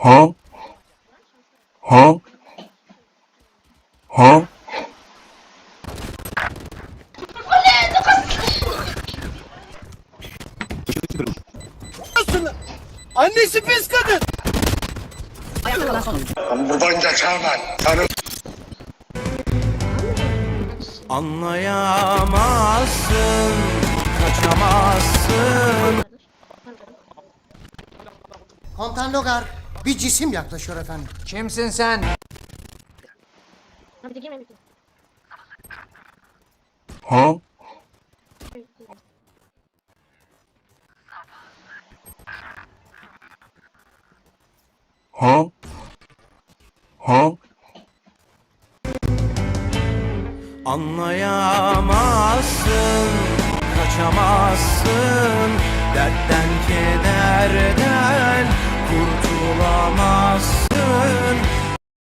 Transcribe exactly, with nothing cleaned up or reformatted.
Huh? Huh? Huh? Annesi pis kadın. Buradan geçemem. Tanım. Anlayamazsın, kaçamazsın. Komutan Logar, bir cisim yaklaşıyor efendim. Kimsin sen? Huh? Huh? Huh? Anlayamazsın, kaçamazsın. Dertten kederden kurtulamazsın.